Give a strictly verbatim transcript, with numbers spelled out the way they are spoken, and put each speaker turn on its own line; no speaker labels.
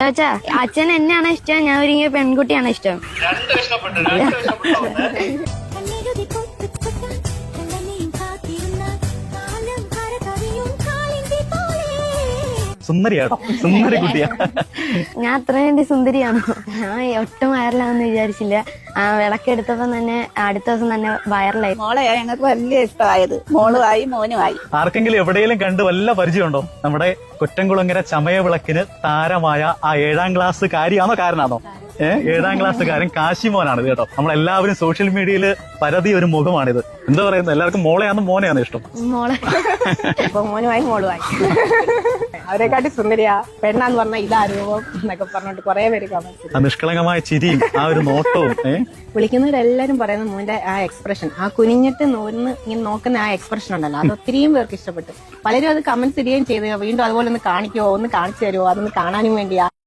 ചാച്ച അച്ഛൻ എന്നെയാണ് ഇഷ്ടം, ഞാൻ ഒരുങ്ങിയ പെൺകുട്ടിയാണ് ഇഷ്ടം.
സുന്ദരിയാണോ? സുന്ദരി കുട്ടിയാ.
ഞാൻ അത്ര വേണ്ടി സുന്ദരിയാണോ? ഞാൻ ഒട്ടും വൈറലാണെന്ന് വിചാരിച്ചില്ല. ആ വിളക്കെടുത്തപ്പോ തന്നെ അടുത്ത ദിവസം തന്നെ വൈറലായി.
മോളെ ഞങ്ങൾക്ക് വലിയ ഇഷ്ടമായത്, മോളുമായി മോനുമായി.
ആർക്കെങ്കിലും എവിടെയെങ്കിലും കണ്ട് വല്ല പരിചയമുണ്ടോ? നമ്മുടെ കൊറ്റംകുളങ്ങര ചമയ വിളക്കിന് താരമായ ആ ഏഴാം ക്ലാസ് കാര്യമാണോ കാരനാണോ? ഏഹ് ഏഴാം ക്ലാസ്സുകാരൻ കാശിമോനാണ് കേട്ടോ. നമ്മളെല്ലാവരും സോഷ്യൽ മീഡിയയിൽ പരതി ഒരു മുഖമാണിത്. എന്താ പറയുന്നത്, എല്ലാവർക്കും മോളെയാണോ മോനെയാണോ ഇഷ്ടം?
മോളെ.
ഇപ്പൊ മോനുമായി മോളുമായി. അവരെക്കാട്ടി സുന്ദരിയാ, പെണ്ണാന്ന് പറഞ്ഞാൽ ഇതാ രൂപം എന്നൊക്കെ പറഞ്ഞിട്ട് കുറെ പേര് കമന്റ്.
ആ നിഷ്കളങ്കമായ ചിരിയും ആ ഒരു നോട്ടവും. ഏഹ്
വിളിക്കുന്നവരെല്ലാരും പറയുന്ന മോന്റെ ആ എക്സ്പ്രഷൻ, ആ കുനിഞ്ഞിട്ട് നോന്ന് ഇങ്ങനെ നോക്കുന്ന ആ എക്സ്പ്രഷൻ ഉണ്ടല്ലോ, അത് ഒത്തിരിയും പേർക്ക് ഇഷ്ടപ്പെട്ടു. പലരും അത് കമന്റ്സ് ഇടുകയും ചെയ്ത് വീണ്ടും അതുപോലെ ഒന്ന് കാണിക്കുമോ, ഒന്ന് കാണിച്ചു തരുമോ, അതൊന്ന് കാണാനും വേണ്ടിയാ.